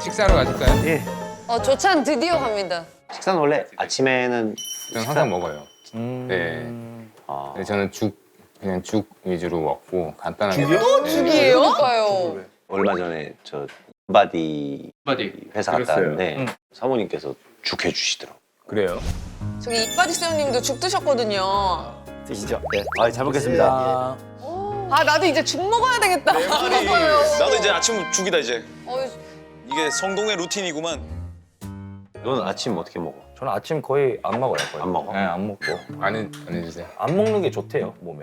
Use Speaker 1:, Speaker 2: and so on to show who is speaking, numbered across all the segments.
Speaker 1: 식사하러 가실까요?
Speaker 2: 예.
Speaker 3: 조찬 드디어 갑니다.
Speaker 2: 식사는 원래 아침에는
Speaker 1: 저는 항상 먹어요. 네.
Speaker 2: 아,
Speaker 1: 네, 저는 그냥 죽 위주로 먹고 간단하게.
Speaker 4: 죽이요?
Speaker 3: 또
Speaker 1: 네.
Speaker 3: 죽이에요? 그러니까요.
Speaker 2: 얼마 전에 저 바디 회사 갔다
Speaker 4: 그랬어요.
Speaker 2: 왔는데 사모님께서 죽 해주시더라고.
Speaker 4: 그래요?
Speaker 3: 저기 이빠지 쌤님도 죽 드셨거든요.
Speaker 2: 드시죠? 네. 아, 잘 먹겠습니다.
Speaker 3: 아 나도 이제 죽 먹어야 되겠다.
Speaker 5: 나도 이제 아침 죽이다 이제.
Speaker 3: 어,
Speaker 5: 이게 성동의 루틴이구만.
Speaker 2: 너는 아침 어떻게 먹어?
Speaker 6: 저는 아침 거의 안 먹어요. 거의.
Speaker 2: 안 먹어?
Speaker 6: 네, 안 먹고.
Speaker 1: 안 해주세요.
Speaker 6: 안 먹는 게 좋대요, 몸에.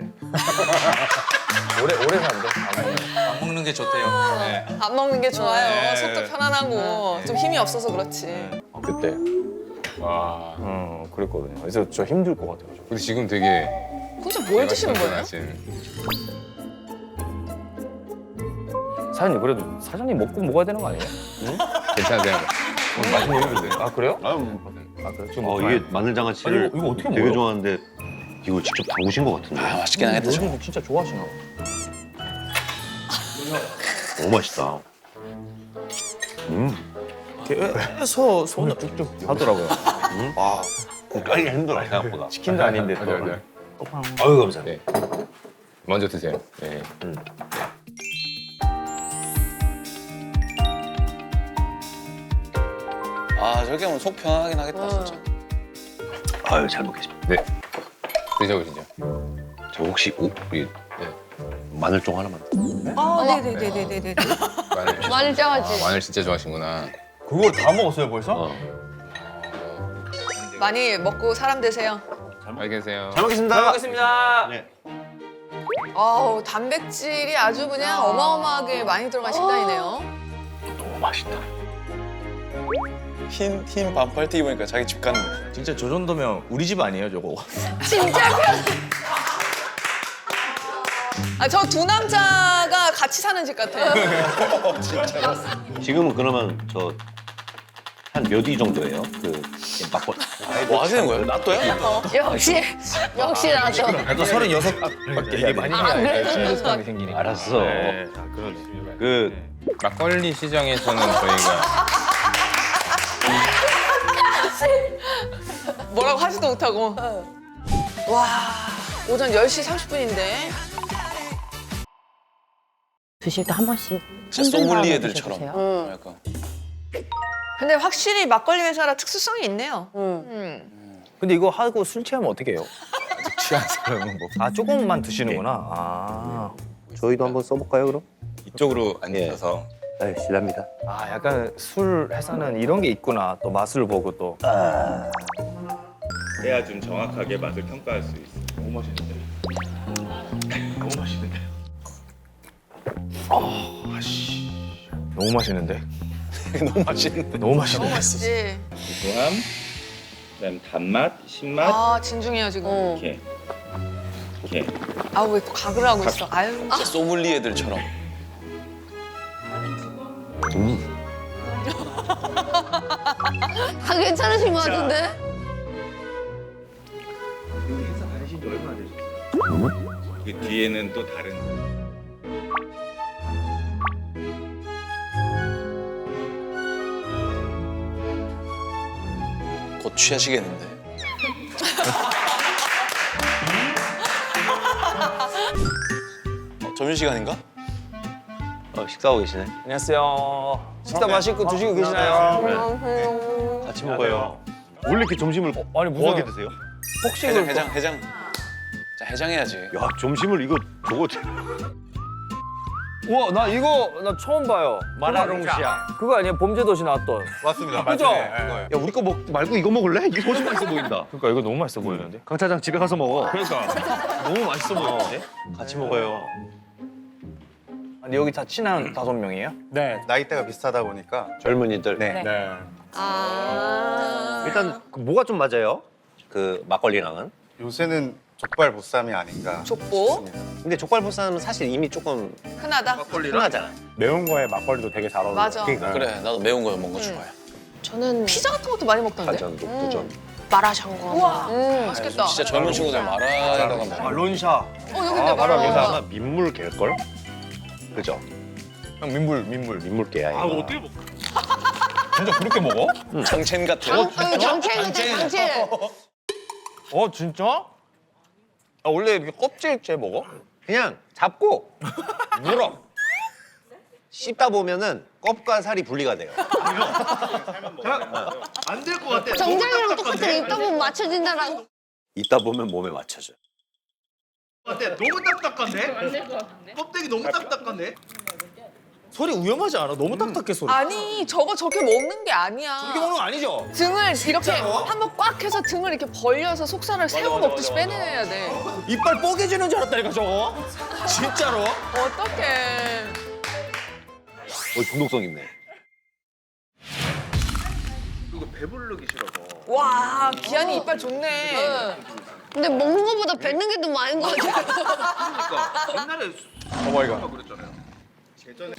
Speaker 6: 오래 산대.
Speaker 5: 안 먹는 게 좋대요. 네.
Speaker 3: 안 먹는 게 좋아요.
Speaker 5: 네.
Speaker 3: 속도 편안하고 좀 힘이 없어서 그렇지.
Speaker 6: 그때.
Speaker 1: 와.
Speaker 6: 그랬거든요. 그래서 저 힘들 것 같아요.
Speaker 1: 근데 지금 되게
Speaker 3: 도대체 뭘 드시는 거예요?
Speaker 6: 사장님, 그래도 사장님 먹고 먹어야 되는 거 아니에요?
Speaker 1: 괜찮으세요?
Speaker 6: 맛있는 얘기인데. 아, 그래요?
Speaker 2: 아,
Speaker 6: 그래? 지금
Speaker 2: 이게 마늘장아찌를
Speaker 6: 아니, 이거 어떻게
Speaker 2: 되게
Speaker 6: 먹어요?
Speaker 2: 좋아하는데 이걸 직접 담그신 것 같은데.
Speaker 5: 아, 맛있긴 하겠다. 저.
Speaker 6: 요즘 진짜 좋아하시나 봐.
Speaker 2: 너무 맛있다.
Speaker 6: 계속 손을 쭉쭉 하더라고요.
Speaker 2: 와, 깔기 힘들어 생각보다.
Speaker 6: 치킨도 아닌데 또.
Speaker 1: 맞아요.
Speaker 2: 아유, 감사합니다.
Speaker 1: 네. 먼저 드세요. 네.
Speaker 5: 아 저렇게 하면 속 편하긴 하겠다 진짜.
Speaker 2: 아유, 잘 먹겠습니다.
Speaker 1: 네. 드셔보시죠.
Speaker 2: 저 혹시 우리 마늘종 하나만.
Speaker 3: 네네네네네.
Speaker 1: 마늘 장아찌. 마늘 진짜 좋아하시구나.
Speaker 4: 그걸 다 먹었어요 벌써?
Speaker 3: 많이 먹고 사람 되세요.
Speaker 1: 잘 계세요.
Speaker 2: 잘 먹겠습니다.
Speaker 6: 잘 먹겠습니다.
Speaker 2: 네.
Speaker 3: 아우 단백질이 아주 그냥 어마어마하게 많이 들어간 식단이네요.
Speaker 2: 너무 맛있다.
Speaker 5: 흰 반팔티 입으니까 자기 집 같네.
Speaker 4: 진짜 저 정도면 우리 집 아니에요 저거?
Speaker 3: 저 두 남자가 같이 사는 집 같아요.
Speaker 2: 지금은 그러면 저 한 몇 위 정도예요? 그 막걸.
Speaker 5: 뭐 하시는 거예요? 낫또야?
Speaker 3: 역시 나죠.
Speaker 4: 나도 36밖에
Speaker 6: 이게 많이 해야 친구성이 생기니까.
Speaker 2: 알았어.
Speaker 4: 네. 자, 그러네.
Speaker 2: 그
Speaker 1: 막걸리 시장에서는 저희가
Speaker 3: 뭐라고 하지도 못하고. 와 오전 10시 30분인데.
Speaker 7: 드실 때 한 번씩
Speaker 5: 진짜
Speaker 7: 흔든 다음에
Speaker 5: 소믈리에들처럼.
Speaker 7: 드셔보세요.
Speaker 5: 약간.
Speaker 3: 근데 확실히 막걸리 회사라 특수성이 있네요.
Speaker 6: 근데 이거 하고 술 취하면 어떻게 해요? 취한 사람은 뭐. 아, 조금만 드시는구나. 아.
Speaker 2: 저희도 한번 써볼까요, 그럼?
Speaker 1: 이쪽으로 앉으셔서
Speaker 2: 네, 실례합니다.
Speaker 6: 아, 약간 술 회사는 이런 게 있구나. 또 맛을 보고 또.
Speaker 4: 해야 좀 정확하게 맛을 평가할 수 있어. 너무 맛있는데. 너무 맛있는데.
Speaker 6: 너무 맛있는데.
Speaker 5: 너무 맛있는데.
Speaker 6: 너무 맛있는데.
Speaker 3: 맛있지.
Speaker 4: 고소함, 그다음 단맛, 신맛
Speaker 3: 아 진중해요 지금.
Speaker 4: 이렇게. 이렇게.
Speaker 3: 아우 왜 또 각을 하고 있어. 아유.
Speaker 5: 진짜 소믈리에들처럼.
Speaker 3: 다 괜찮으신 것 같은데?
Speaker 4: 회사 다니신 지 얼마나 되셨어요? 그 뒤에는 또 다른.
Speaker 5: 곧 취하시겠는데. 점심시간인가?
Speaker 2: 식사하고 계시네.
Speaker 6: 안녕하세요. 식사 맛있고 드시고 계시나요?
Speaker 2: 같이 먹어요. 원래 이렇게 점심을
Speaker 6: 아니, 무슨
Speaker 2: 뭐하게 드세요?
Speaker 6: 폭식을
Speaker 5: 해장. 자 해장해야지.
Speaker 2: 야, 점심을 이거 저거
Speaker 6: 우와, 나 처음 봐요.
Speaker 2: 마라롱시아.
Speaker 6: 그거 아니에요? 범죄도시 나왔던.
Speaker 2: 맞습니다.
Speaker 6: 그죠?
Speaker 2: 야, 우리 거 말고 이거 먹을래? 이게 훨씬 맛있어 보인다.
Speaker 6: 그러니까 이거 너무 맛있어 보이는데.
Speaker 2: 강 차장 집에 가서 먹어.
Speaker 6: 그러니까 너무 맛있어 보이는데.
Speaker 2: 같이 먹어요.
Speaker 6: 근데 여기 다 친한 5명이에요?
Speaker 8: 네, 나이대가 비슷하다 보니까
Speaker 2: 젊은이들.
Speaker 8: 네.
Speaker 3: 아.
Speaker 2: 일단 그 뭐가 좀 맞아요? 그 막걸리랑은?
Speaker 8: 요새는 족발 보쌈이 아닌가
Speaker 3: 족보?
Speaker 8: 싶습니다.
Speaker 2: 근데 족발보쌈은 사실 이미 조금
Speaker 3: 흔하다.
Speaker 2: 흔하잖아.
Speaker 8: 매운 거에 막걸리도 되게 잘 어울려.
Speaker 3: 맞아.
Speaker 5: 그래 나도 매운 거 먹는 거 좋아해.
Speaker 7: 저는
Speaker 3: 피자 같은 것도 많이 먹던데?
Speaker 2: 가전, 녹두전.
Speaker 7: 마라샹궈.
Speaker 3: 우와. 맛있겠다.
Speaker 5: 진짜 젊은 친구들 마라에다가 먹어.
Speaker 6: 론샤.
Speaker 3: 여기인데
Speaker 2: 바로
Speaker 3: 말아.
Speaker 2: 여기서 아마 민물 갤걸? 그죠?
Speaker 6: 형 민물.
Speaker 2: 민물게야. 이거.
Speaker 4: 어떻게 먹?
Speaker 6: 진짜 그렇게 먹어?
Speaker 5: 장첸 같아.
Speaker 7: 장첸.
Speaker 6: 진짜? 아, 원래 이렇게 껍질째 먹어?
Speaker 2: 그냥 잡고 물어. 씹다 보면은 껍과 살이 분리가 돼요.
Speaker 4: 안 될 것 같아.
Speaker 7: 정장이랑 똑같아. 입다 보면 맞춰진다라고.
Speaker 2: 있다 보면 몸에 맞춰져.
Speaker 4: 너무 딱딱한데? 안 될 것 같은데? 껍데기 너무 딱딱한데?
Speaker 6: 소리 위험하지 않아? 너무 딱딱해 소리.
Speaker 3: 아니 저거 저렇게 먹는 게 아니야.
Speaker 6: 이렇게 먹는 거 아니죠?
Speaker 3: 등을 이렇게 한번 꽉 해서 등을 이렇게 벌려서 속살을 새우 먹듯이 빼내야 돼.
Speaker 6: 이빨 뽀개지는 줄 알았다니까 저거. 진짜로?
Speaker 3: 어떡해.
Speaker 2: 중독성 있네.
Speaker 4: 그리고 배부르기 싫어서.
Speaker 3: 와 기한이 이빨 좋네.
Speaker 7: 근데 먹는 것보다 뱉는 게 더 많은 것 같아.
Speaker 4: 그러니까 옛날에
Speaker 6: 어머니가.
Speaker 4: 그랬잖아요. 예전에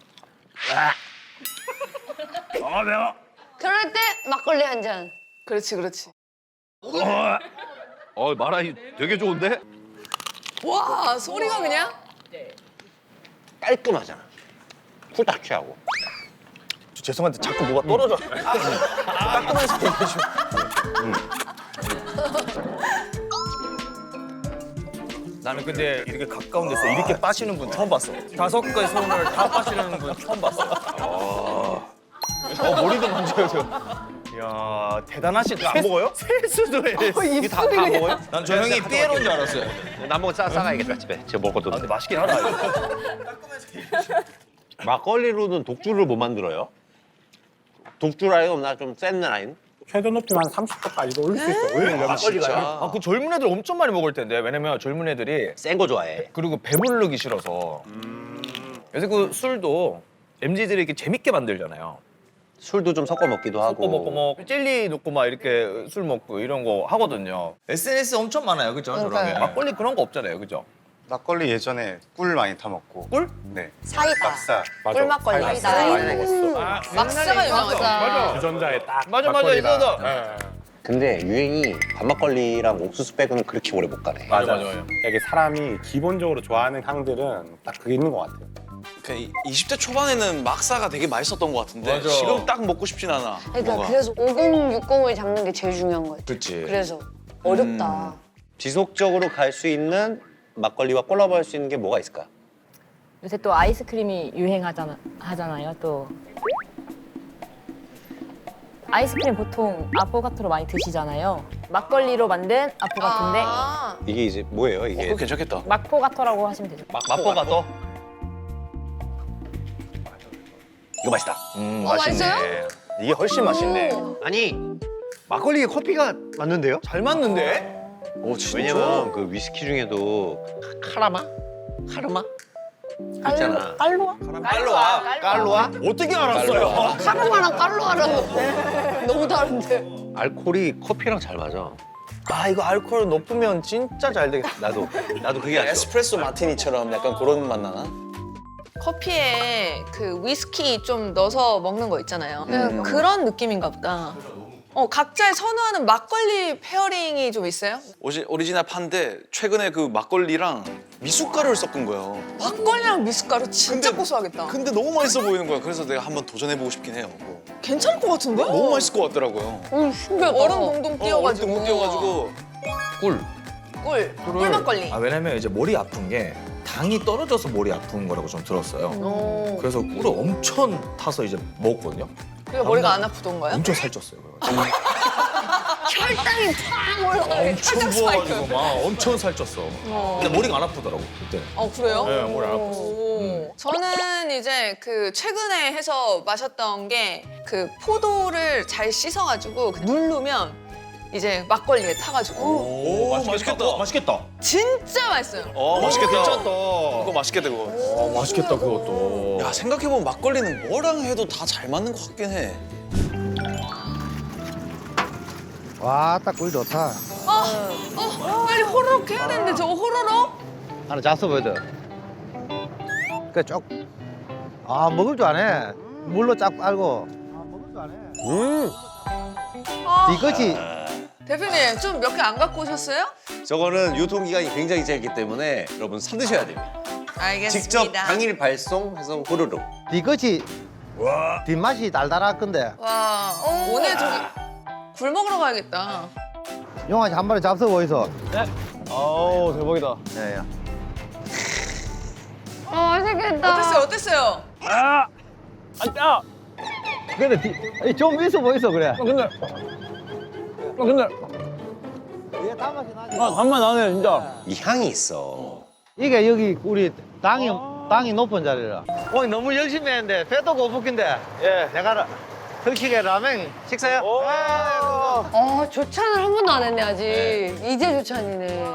Speaker 7: 그럴 때 막걸리 한 잔.
Speaker 3: 그렇지 그렇지.
Speaker 2: 마라이 되게 좋은데?
Speaker 3: 와 소리가 그냥.
Speaker 2: 깔끔하잖아. 쿨딱 취하고.
Speaker 6: 죄송한데 자꾸 뭐가 떨어져. 따끔해서 얘기해줘. 나는 근데 이렇게 가까운 데서 이렇게 빠시는 분 처음 봤어. 5개의 손을 다 빠시는 분 처음 봤어. 머리도 만져요, 저. 이야, 대단하시다. 안 먹어요? 세수도 해.
Speaker 2: 이게 다 먹어요?
Speaker 6: 난 저 형이 삐에로인 줄 알았어요.
Speaker 2: 나 한번 싸가야겠다 집에. 제가 먹거든.
Speaker 6: 근데 맛있긴 하다, 이거.
Speaker 2: 막걸리로는 독주를 못 만들어요? 독주 라인 없나? 좀 센 라인?
Speaker 8: 최대 높이만 30도까지도 올릴 수 있어. 오히려
Speaker 6: 아, 그 젊은 애들 엄청 많이 먹을 텐데. 왜냐면 젊은 애들이
Speaker 2: 센 거 좋아해.
Speaker 6: 그리고 배부르기 싫어서. 요새 그 술도 MZ들이 이렇게 재밌게 만들잖아요.
Speaker 2: 술도 좀 섞어 먹기도 하고.
Speaker 6: 섞어 먹고 뭐 젤리 넣고 막 이렇게 술 먹고 이런 거 하거든요. SNS 엄청 많아요, 그죠? 저런게. 막걸리 그런 거 없잖아요, 그죠?
Speaker 8: 막걸리 예전에 꿀 많이 타 먹고.
Speaker 6: 꿀?
Speaker 8: 네.
Speaker 7: 사이다.
Speaker 8: 막사.
Speaker 7: 꿀막걸리.
Speaker 8: 막사 많이 먹었어.
Speaker 3: 막사가 유명하지.
Speaker 8: 주전자에 딱.
Speaker 6: 맞아,
Speaker 8: 막걸리랑.
Speaker 6: 이거다.
Speaker 2: 근데 유행이 밥막걸리랑 옥수수 빼고는 그렇게 오래 못 가네.
Speaker 6: 맞아요.
Speaker 8: 이게 사람이 기본적으로 좋아하는 향들은 딱 그게 있는 것 같아요.
Speaker 5: 그 20대 초반에는 막사가 되게 맛있었던 것 같은데
Speaker 6: 맞아.
Speaker 5: 지금 딱 먹고 싶진 않아.
Speaker 7: 그러니까
Speaker 5: 뭔가.
Speaker 7: 그래서 5060을 잡는 게 제일 중요한 것 같아.
Speaker 6: 그렇지.
Speaker 7: 그래서 어렵다.
Speaker 2: 지속적으로 갈 수 있는 막걸리와 콜라보할 수 있는 게 뭐가 있을까?
Speaker 9: 요새 또 아이스크림이 하잖아요. 또 아이스크림 보통 아포가토로 많이 드시잖아요. 막걸리로 만든 아포가토인데
Speaker 3: 아,
Speaker 2: 이게 이제 뭐예요? 이게
Speaker 5: 그거 괜찮겠다.
Speaker 9: 막포가토라고 하시면 되죠.
Speaker 6: 맛보가 또?
Speaker 2: 이거 맛있다.
Speaker 3: 맛있어요?
Speaker 6: 이게 훨씬 맛있네.
Speaker 2: 아니 막걸리에 커피가 맞는데요?
Speaker 6: 잘 맞는데?
Speaker 5: 오 진짜.
Speaker 2: 왜냐면 그 위스키 중에도 카라마? 있잖아.
Speaker 7: 깔로아?
Speaker 2: 깔로아?
Speaker 6: 어떻게 알았어요?
Speaker 7: 카르마랑 깔로아랑 너무 다른데.
Speaker 2: 알코올이 커피랑 잘 맞아.
Speaker 6: 아, 이거 알코올 높으면 진짜 잘 되겠다.
Speaker 2: 나도 그게 아쉬워.
Speaker 5: 에스프레소 마티니처럼 약간 그런 맛 나나?
Speaker 3: 커피에 그 위스키 좀 넣어서 먹는 거 있잖아요. 그런 느낌인가 보다. 각자의 선호하는 막걸리 페어링이 좀 있어요?
Speaker 5: 오리지널 파인데 최근에 그 막걸리랑 미숫가루를 섞은 거예요.
Speaker 3: 막걸리랑 미숫가루 진짜 고소하겠다.
Speaker 5: 근데 너무 맛있어 보이는 거야. 그래서 내가 한번 도전해보고 싶긴 해요. 그거.
Speaker 3: 괜찮을 것 같은데?
Speaker 5: 너무 맛있을 것 같더라고요.
Speaker 3: 신기하다. 얼음 동동 띄워가지고.
Speaker 5: 못 띄워가지고.
Speaker 3: 꿀 막걸리.
Speaker 6: 아, 왜냐면 이제 머리 아픈 게 당이 떨어져서 머리 아픈 거라고 좀 들었어요. 그래서 꿀을 엄청 타서 이제 먹었거든요.
Speaker 3: 그래서 머리가 안 아프던가요?
Speaker 6: 엄청 살쪘어요.
Speaker 7: 혈당이 팍 올라가.
Speaker 6: 엄청 부어가지고 막 엄청 살쪘어. 근데 머리가 안 아프더라고 그때.
Speaker 3: 그래요?
Speaker 6: 네, 머리 아팠어.
Speaker 3: 오. 저는 이제 그 최근에 해서 마셨던 게 그 포도를 잘 씻어가지고 누르면 이제 막걸리에 타가지고
Speaker 5: 오, 맛있겠다.
Speaker 6: 맛있겠다.
Speaker 3: 진짜 맛있어요.
Speaker 5: 맛있겠다.
Speaker 6: 괜찮다.
Speaker 5: 그거 맛있겠다, 그거.
Speaker 6: 맛있겠다 그것도.
Speaker 5: 야, 생각해보면 막걸리는 뭐랑 해도 다 잘 맞는 것 같긴 해.
Speaker 10: 와, 딱 꿀 좋다.
Speaker 3: 빨리 호로록 해야 되는데 저거 호로록?
Speaker 10: 하나 잤어 보여줘. 그 먹을 줄 아네. 물로 쫙 빨고. 먹을 줄 아네. 이거지.
Speaker 3: 대표님 좀 몇 개 안 갖고 오셨어요?
Speaker 2: 저거는 유통기간이 굉장히 짧기 때문에 여러분 사드셔야 됩니다.
Speaker 3: 알겠습니다.
Speaker 2: 직접 당일 발송해서 후루룩.
Speaker 10: 이거지. 뒷맛이 달달할 건데.
Speaker 3: 와 오늘 저기 굴 먹으러 가야겠다.
Speaker 10: 용아 한 마리 잡숴 보이소.
Speaker 6: 아우 대박이다.
Speaker 10: 예, 예.
Speaker 7: 맛있겠다.
Speaker 3: 어땠어요?
Speaker 6: 아!
Speaker 10: 근데 좀 있어 보이소 그래.
Speaker 6: 근데
Speaker 10: 이게 단맛이 나지.
Speaker 6: 간만 나네 진짜.
Speaker 2: 이 향이 있어.
Speaker 10: 이게 여기 우리 땅이 높은 자리라. 오늘 너무 열심히 했는데 배도 고프긴데. 예, 내가 특식에 라면 식사요.
Speaker 7: 조찬을 한 번도 안 했네 아직. 이제 조찬이네.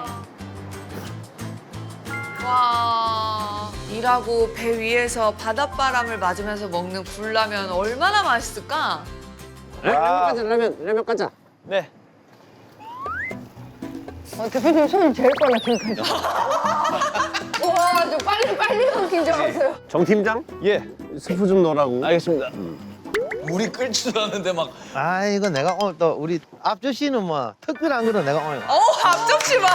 Speaker 3: 와 일하고 배 위에서 바닷바람을 맞으면서 먹는 굴라면 얼마나 맛있을까?
Speaker 2: 라면 가자.
Speaker 6: 네.
Speaker 7: 대표님 손이 제일 빨라 지금까지. 와, 저 빨리 넘긴 줄 알았어요.
Speaker 2: 정 팀장?
Speaker 6: 예.
Speaker 2: 스프 좀 넣으라고.
Speaker 6: 알겠습니다.
Speaker 5: 물이 끓지도 않는데 막
Speaker 10: 아 이거 내가 오늘 또 우리 앞주씨는 뭐 특별한 거는 내가 오늘.
Speaker 3: 앞접시 봐.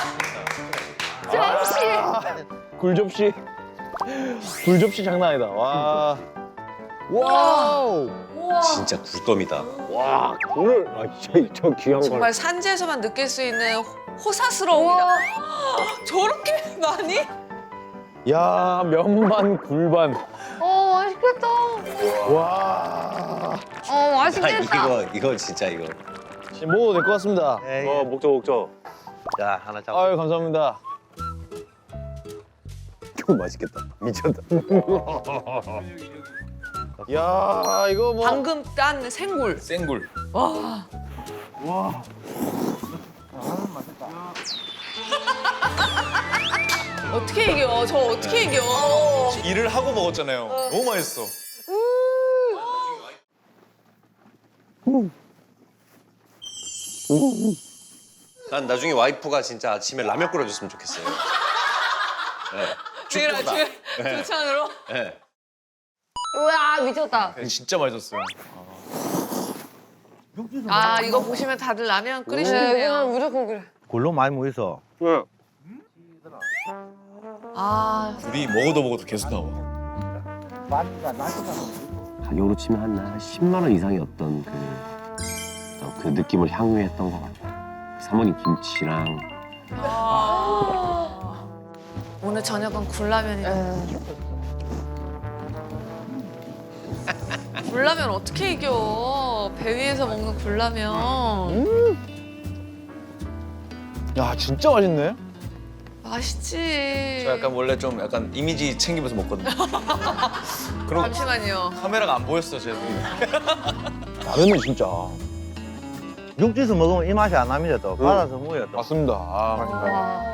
Speaker 6: 굴접시. 굴접시 장난 아니다. 와. 와우.
Speaker 2: 진짜 굴감이다.
Speaker 6: 와, 굴을 저 귀한 걸.
Speaker 3: 정말 산지에서만 느낄 수 있는 호사스러움이다. 저렇게 많이?
Speaker 6: 야, 면반 굴반.
Speaker 7: 맛있겠다.
Speaker 6: 와.
Speaker 7: 맛있겠다.
Speaker 2: 이거 진짜 이거.
Speaker 6: 지금 먹어도 될 것 같습니다.
Speaker 10: 예, 예.
Speaker 6: 먹죠.
Speaker 10: 자 하나 잡아.
Speaker 6: 아유, 감사합니다.
Speaker 2: 이거 맛있겠다. 미쳤다.
Speaker 6: 야, 이거 뭐.
Speaker 3: 방금 딴 생굴.
Speaker 5: 생굴.
Speaker 3: 와. 어떻게 이겨? 저 어떻게 이겨?
Speaker 5: 일을 하고 먹었잖아요. 너무 맛있어.
Speaker 2: 난 나중에 와이프가 진짜 아침에 라면 끓여줬으면 좋겠어요.
Speaker 3: 내일 아침에 조찬으로?
Speaker 2: 네.
Speaker 7: 우와, 미쳤다.
Speaker 5: 진짜 맛있었어요.
Speaker 3: 아 이거 보시면 다들 라면
Speaker 7: 네,
Speaker 3: 끓이시네요.
Speaker 7: 이건 무조건 그래.
Speaker 10: 굴로 많이 모이소.
Speaker 3: 아
Speaker 5: 우리 먹어도 계속 나와.
Speaker 2: 가격으로 치면 한 10만 원 이상의 어떤 그 느낌을 향유했던 것 같아요. 사모님 김치랑
Speaker 3: 오늘 저녁은 굴라면이다. 굴라면 어떻게 이겨? 배 위에서 먹는 굴라면
Speaker 6: 야, 진짜 맛있네.
Speaker 3: 맛있지.
Speaker 5: 저 약간 원래 좀 약간 이미지 챙기면서 먹거든요. 그럼
Speaker 3: 잠시만요.
Speaker 5: 카메라가 안 보였어, 쟤도.
Speaker 6: 라면은 진짜.
Speaker 10: 육지에서 먹으면 이 맛이 안 납니다 또. 바다에서 먹어야 또.
Speaker 6: 맞습니다. 아,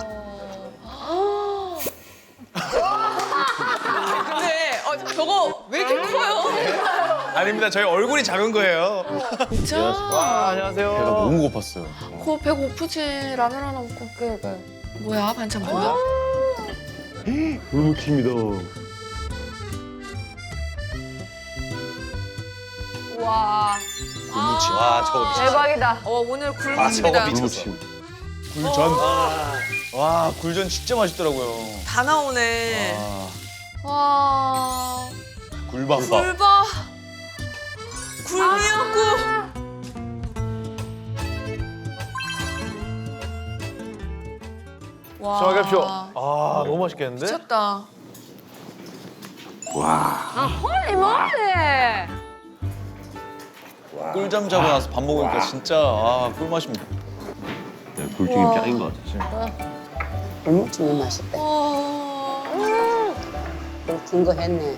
Speaker 3: 근데 저거 왜 이렇게 커요?
Speaker 5: 아닙니다. 저희 얼굴이 작은 거예요.
Speaker 3: 진짜?
Speaker 6: 와, 안녕하세요.
Speaker 5: 배가 너무 고팠어요.
Speaker 3: 그 배고프지. 라면 하나 먹고.
Speaker 7: 그러니까요.
Speaker 3: 뭐야 반찬 뭐야?
Speaker 2: 불무침이다.
Speaker 7: 와,
Speaker 5: 굴무침.
Speaker 2: 와 저거 미쳤어.
Speaker 7: 대박이다.
Speaker 3: 오늘
Speaker 5: 저거
Speaker 3: 굴무침이다.
Speaker 5: 미쳤어. 굴전. 와, 굴전 진짜 맛있더라고요.
Speaker 3: 다 나오네.
Speaker 5: 아,
Speaker 3: 와.
Speaker 5: 굴밥.
Speaker 3: 굴밥. 굴미역국. 와.
Speaker 6: 수고하십시오. 아, 너무 맛있겠는데?
Speaker 3: 미쳤다.
Speaker 7: 헐리 몰리.
Speaker 5: 꿀잠 자고 나서 밥 먹으니까 진짜 꿀맛입니다.
Speaker 2: 굴튀김 짱인 것 같아.
Speaker 7: 굴무침이 맛있다. 긴거 했네.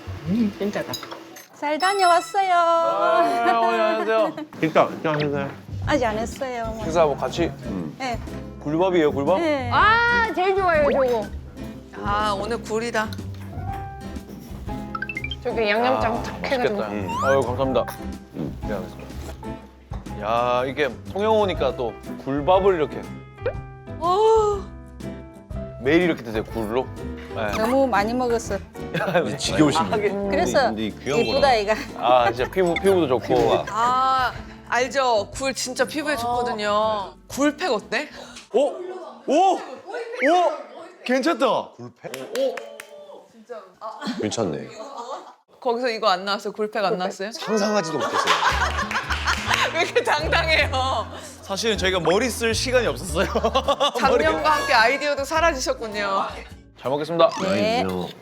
Speaker 9: 잘 다녀왔어요.
Speaker 6: 안녕하세요.
Speaker 2: 식사하셨어요?
Speaker 9: 아직 안 했어요.
Speaker 6: 식사 뭐 같이.
Speaker 9: 네.
Speaker 6: 굴밥이에요, 굴밥?
Speaker 9: 네.
Speaker 7: 아, 제일 좋아요, 저거.
Speaker 3: 아 오늘 굴이다.
Speaker 7: 저기 양념장 탁 해가지고.
Speaker 6: 맛있겠다. 아유, 감사합니다. 네, 알겠습니다. 야, 이게 통영 오니까 또 굴밥을 이렇게 매일 이렇게 드세요, 굴로? 네.
Speaker 9: 너무 많이 먹었어.
Speaker 5: 지겨우시네.
Speaker 9: 그래서
Speaker 2: 근데 귀한
Speaker 9: 예쁘다
Speaker 2: 거라.
Speaker 9: 이가.
Speaker 6: 아, 진짜 피부도 좋고.
Speaker 2: 피부가.
Speaker 3: 아 알죠. 굴 진짜 피부에 좋거든요. 굴팩 어때?
Speaker 5: 오! 오! 오! 괜찮다.
Speaker 2: 괜찮네.
Speaker 3: 거기서 이거 안 나왔어요? 굴팩 안 나왔어요?
Speaker 5: 상상하지도 못했어요.
Speaker 3: 왜 이렇게 당당해요?
Speaker 6: 사실은 저희가 머리 쓸 시간이 없었어요.
Speaker 3: 작년과 함께 아이디어도 사라지셨군요.
Speaker 6: 잘 먹겠습니다.
Speaker 9: 네.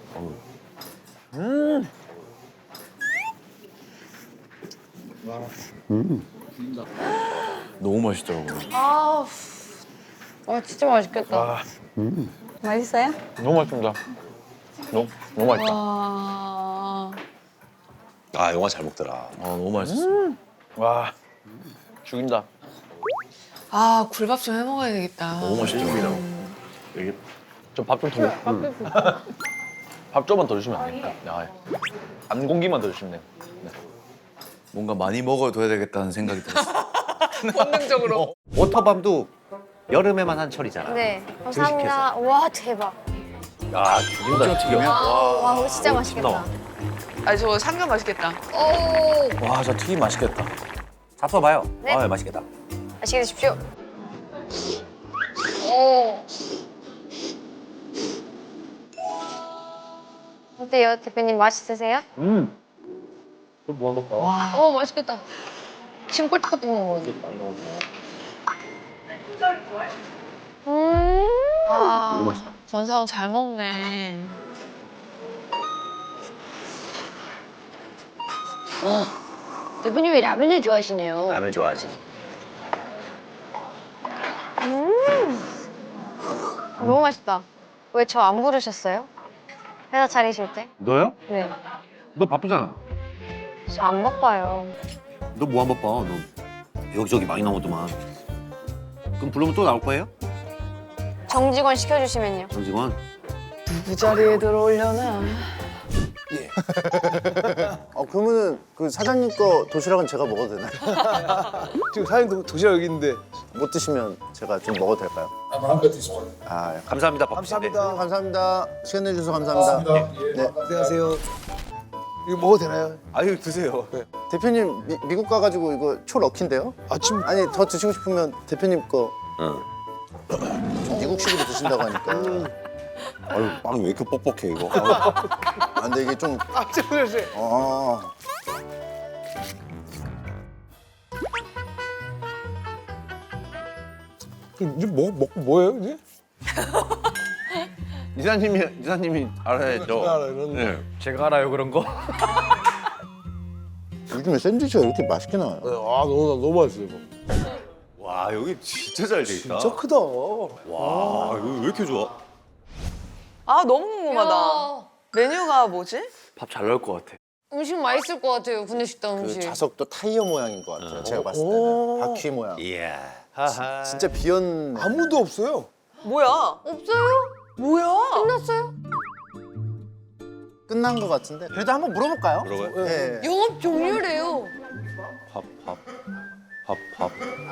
Speaker 5: 너무 맛있더라고요.
Speaker 7: 아, 와 진짜 맛있겠다.
Speaker 9: 맛있어요?
Speaker 6: 너무 맛있습니다. 너무 맛있다.
Speaker 3: 와.
Speaker 5: 아 영화 잘 먹더라.
Speaker 6: 너무 맛있었어. 와 죽인다.
Speaker 3: 아, 굴밥 좀 해 먹어야 되겠다.
Speaker 5: 너무 맛있더라고요.
Speaker 6: 좀 밥 좀 더 먹. 밥 조금만 더 주시면 안 될까? 안 공기만 더 주시면 돼요. 네.
Speaker 5: 뭔가 많이 먹어둬야 되겠다는 생각이 들었어.
Speaker 3: 본능적으로.
Speaker 10: 워터밤도 여름에만 한 철이잖아.
Speaker 7: 네, 감사합니다. 와 대박.
Speaker 10: 야 죽인다 죽여.
Speaker 7: 와 이거 진짜 맛있겠다.
Speaker 3: 아, 저 삼겹 맛있겠다.
Speaker 7: 오,
Speaker 5: 와, 저 튀김 맛있겠다.
Speaker 10: 잡숴봐요.
Speaker 7: 네.
Speaker 10: 아 맛있겠다.
Speaker 7: 맛있게 드십시오. 오. 어때요, 대표님 맛있으세요? 와. 오 맛있겠다. 지금 꼴찌 먹는 거. 아, 전사원 잘 먹네. 대표님이 라면을 좋아하시네요.
Speaker 10: 라면 좋아하지.
Speaker 7: 너무 맛있다. 왜 저 안 부르셨어요? 회사 차리실 때?
Speaker 2: 너요?
Speaker 7: 네.
Speaker 2: 너 바쁘잖아.
Speaker 7: 저 안 바빠요.
Speaker 2: 너 뭐 안 바빠? 너 여기저기 많이 나오더만. 그럼 부르면 또 나올 거예요?
Speaker 7: 정직원 시켜주시면요.
Speaker 2: 정직원?
Speaker 3: 누구 자리에 들어오려나?
Speaker 11: 그러면은 그 사장님 거 도시락은 제가 먹어도 되나요?
Speaker 6: 지금 사장님 도시락 여기 있는데.
Speaker 11: 못 드시면 제가 좀 먹어도 될까요?
Speaker 8: 마음껏 드시고.
Speaker 11: 아,
Speaker 10: 감사합니다 바쁘신데.
Speaker 11: 감사합니다. 시간 내주셔서 감사합니다. 네.
Speaker 6: 안녕하세요. 이거 먹어도 되나요? 아유 드세요.
Speaker 11: 대표님 미국 가가지고 이거 초럭키인데요?
Speaker 6: 아침
Speaker 11: 아니 더 드시고 싶으면 대표님 거 미국식으로 드신다고 하니까.
Speaker 5: 아유, 빵이 왜 이렇게 뻑뻑해 이거?
Speaker 11: 아, 근데 이게 좀.
Speaker 6: 깜짝 놀랐어요. 이제 먹고 뭐예요 이제?
Speaker 2: 이사님이 알아야죠.
Speaker 6: 네. 제가 알아요 그런 거.
Speaker 11: 요즘에 샌드위치가 이렇게 맛있게 나와요.
Speaker 6: 아 너무 맛있어요 이거.
Speaker 5: 와, 여기 진짜 잘 돼 있다.
Speaker 6: 진짜 크다.
Speaker 5: 와, 여기 왜 이렇게 좋아?
Speaker 3: 아, 너무 궁금하다. 메뉴가 뭐지?
Speaker 5: 밥 잘 나올 것 같아.
Speaker 7: 음식 맛있을 것 같아요, 구내식당
Speaker 11: 그
Speaker 7: 음식.
Speaker 11: 좌석도 타이어 모양인 것 같아요. 제가 봤을 때는 바퀴 모양.
Speaker 2: 이야.
Speaker 11: 진짜 비었네.
Speaker 6: 아무도 없어요.
Speaker 3: 뭐야?
Speaker 7: 없어요?
Speaker 3: 뭐야?
Speaker 7: 끝났어요?
Speaker 11: 끝난 것 같은데. 그래도 한번 물어볼까요?
Speaker 5: 물어봐요?
Speaker 11: 네.
Speaker 7: 영업 종료래요.
Speaker 5: 밥.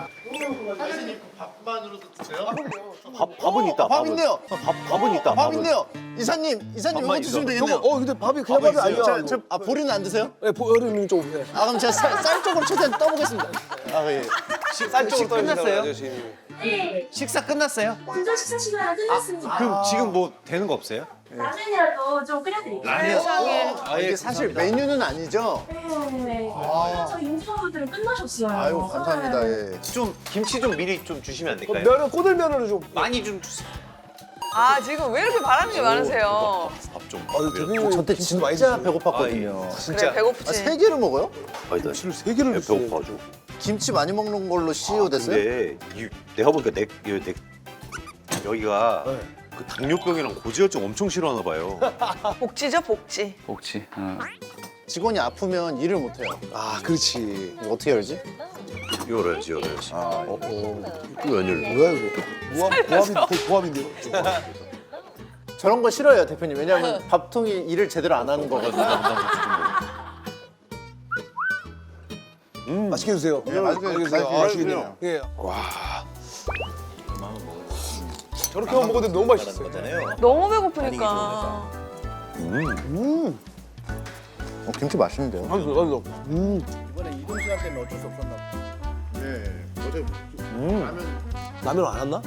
Speaker 11: 밥은 있다. 밥 있네요.
Speaker 2: 밥은 있다.
Speaker 11: 밥 있네요. 이사님 이거 드시면 되겠네요.
Speaker 6: 근데 밥이 그냥 밥이 아니야.
Speaker 11: 보리는 안 드세요?
Speaker 6: 네, 보여드리는 좀. 네.
Speaker 11: 아 그럼 제가 쌀 쪽으로 최대한 떠보겠습니다. 아 예.
Speaker 6: 쌀 쪽으로
Speaker 10: 끝났어요?
Speaker 12: 네.
Speaker 10: 식사 끝났어요?
Speaker 12: 진짜 식사 시간 끝났습니다.
Speaker 10: 그럼 지금 뭐 되는 거 없어요?
Speaker 12: 라면이라도 좀 끓여드릴게요.
Speaker 3: 세상에.
Speaker 11: 아 이게 사실 메뉴는 아니죠?
Speaker 12: 네. 저 임직원분들은 끝나셨어요.
Speaker 11: 아유 감사합니다. 예.
Speaker 10: 좀 김치 좀 미리 좀 주시면 안 될까요?
Speaker 6: 면은 꼬들면으로 좀.
Speaker 10: 많이 좀 주세요.
Speaker 3: 아, 지금 왜 이렇게 바라는 게 많으세요?
Speaker 5: 밥 좀.
Speaker 6: 대표님
Speaker 11: 저때 진짜 배고팠거든요.
Speaker 6: 진짜.
Speaker 3: 그래, 배고프지.
Speaker 11: 아, 3개를 먹어요?
Speaker 6: 김치를 3개를 줬어요.
Speaker 5: 배고파가지고.
Speaker 11: 김치 많이 먹는 걸로 CEO 됐어요?
Speaker 5: 근데 내가 보니까 여기가 그 당뇨병이랑 고지혈증 엄청 싫어하나 봐요.
Speaker 3: 복지죠, 복지.
Speaker 5: 혹시?
Speaker 11: 직원이 아프면 일을 못 해요.
Speaker 6: 아 그렇지.
Speaker 11: 이거 어떻게 알지?
Speaker 5: 열어야지.
Speaker 11: 아,
Speaker 5: 이거 웬일?
Speaker 6: 뭐야 이거? 고함인데요.
Speaker 11: 저런 거 싫어해요, 대표님. 왜냐하면 밥통이 일을 제대로 안 하는 거거든요.
Speaker 6: 맛있게 드세요.
Speaker 11: 네, 맛있게 드세요.
Speaker 6: 아, 맛있겠네요. 예. 와. 저렇게만 먹어도 너무 맛있어요.
Speaker 3: 너무 배고프니까.
Speaker 11: 김치 맛있는데요?
Speaker 6: 맛있어.
Speaker 11: 이번에 이동 시간 때문에 어쩔 수 없었나 봐요. 네, 어제
Speaker 6: 라면 안 왔나?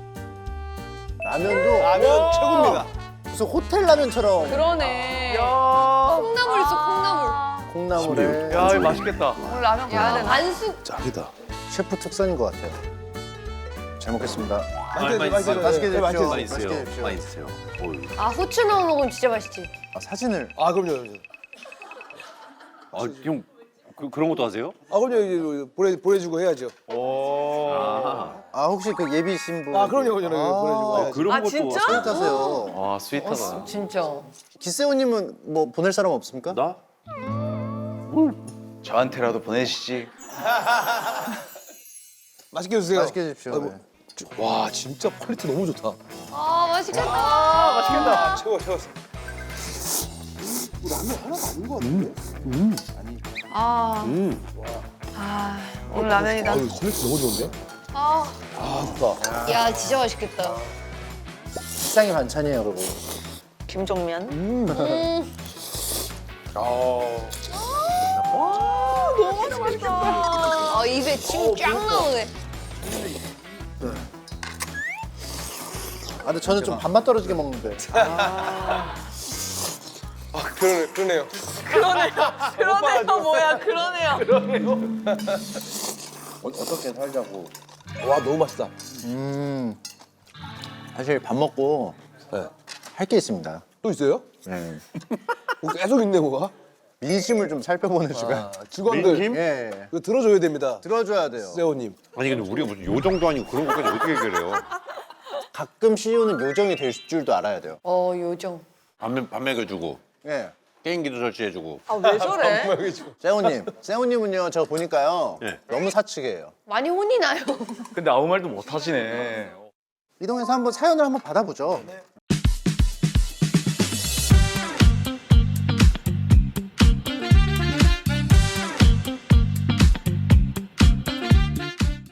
Speaker 11: 라면도
Speaker 6: 라면 최고입니다.
Speaker 11: 무슨 호텔 라면처럼.
Speaker 3: 그러네.
Speaker 7: 콩나물 있어, 콩나물.
Speaker 11: 콩나물에
Speaker 6: 야 이거 맛있겠다.
Speaker 3: 오늘 라면 가야 되나?
Speaker 7: 반숙.
Speaker 8: 짱이다.
Speaker 11: 셰프 특선인 것 같아요. 잘 먹겠습니다.
Speaker 2: 많이
Speaker 11: 맛있게 드십시오.
Speaker 2: 많이
Speaker 11: 맛있게
Speaker 2: 드세요.
Speaker 11: 드십시오.
Speaker 2: 많이 드세요.
Speaker 7: 아 후추 넣어 먹으면 진짜 맛있지.
Speaker 11: 아, 사진을
Speaker 10: 아 그럼요.
Speaker 2: 형 그런 것도 하세요?
Speaker 10: 아 그럼요. 보내주고 해야죠.
Speaker 11: 아 혹시 그 예비 신부
Speaker 10: 아 그럼요. 보내주고 해야죠.
Speaker 2: 그런
Speaker 3: 아,
Speaker 2: 것도
Speaker 3: 진짜?
Speaker 11: 스윗하세요.
Speaker 5: 와 스윗하다.
Speaker 3: 진짜.
Speaker 11: 기세호님은 뭐 보낼 사람 없습니까?
Speaker 2: 나?
Speaker 5: 저한테라도 보내시지.
Speaker 10: 맛있게 드세요.
Speaker 11: 맛있게 드십시오. 네.
Speaker 10: 와 진짜 퀄리티 너무 좋다.
Speaker 7: 아 맛있겠다.
Speaker 10: 맛있겠다. 최고 최고.
Speaker 3: 아. 아, 오늘 라면이다.
Speaker 10: 퀄리티 너무 좋은데?
Speaker 7: 아,
Speaker 10: 좋다.
Speaker 7: 야 진짜 맛있겠다.
Speaker 11: 식상의 반찬이에요, 그리고.
Speaker 3: 김종면. 너무 맛있다.
Speaker 7: 아 입에 침 쫙 나오네.
Speaker 11: 아, 근데 저는 좀 밥맛 떨어지게 먹는데.
Speaker 10: 그러네요.
Speaker 3: 그러네요, 뭐야, 그러네요.
Speaker 11: 어떻게 살자고.
Speaker 10: 와 너무 맛있다.
Speaker 11: 사실 밥 먹고
Speaker 10: 네.
Speaker 11: 할 게 있습니다.
Speaker 10: 또 있어요?
Speaker 11: 네.
Speaker 10: 계속 있네 뭐가.
Speaker 11: 민심을 좀 살펴보는 시간.
Speaker 10: 직원들
Speaker 11: 예.
Speaker 10: 이거 들어줘야 됩니다.
Speaker 11: 들어줘야 돼요.
Speaker 10: 세호님.
Speaker 2: 아니 근데 우리가 무슨 요정도 아니고 그런 것까지 어떻게 해결해요?
Speaker 11: 가끔 CEO는 요정이 될 줄도 알아야 돼요.
Speaker 7: 요정.
Speaker 2: 밥 먹여주고
Speaker 11: 예.
Speaker 2: 게임기도 설치해주고.
Speaker 3: 아, 왜 저래?
Speaker 11: 세호님은요, 저 보니까요,
Speaker 2: 네.
Speaker 11: 너무 사측이에요.
Speaker 7: 많이 혼이 나요.
Speaker 5: 근데 아무 말도 못 하시네.
Speaker 11: 이동해서 한번 사연을 한번 받아보죠.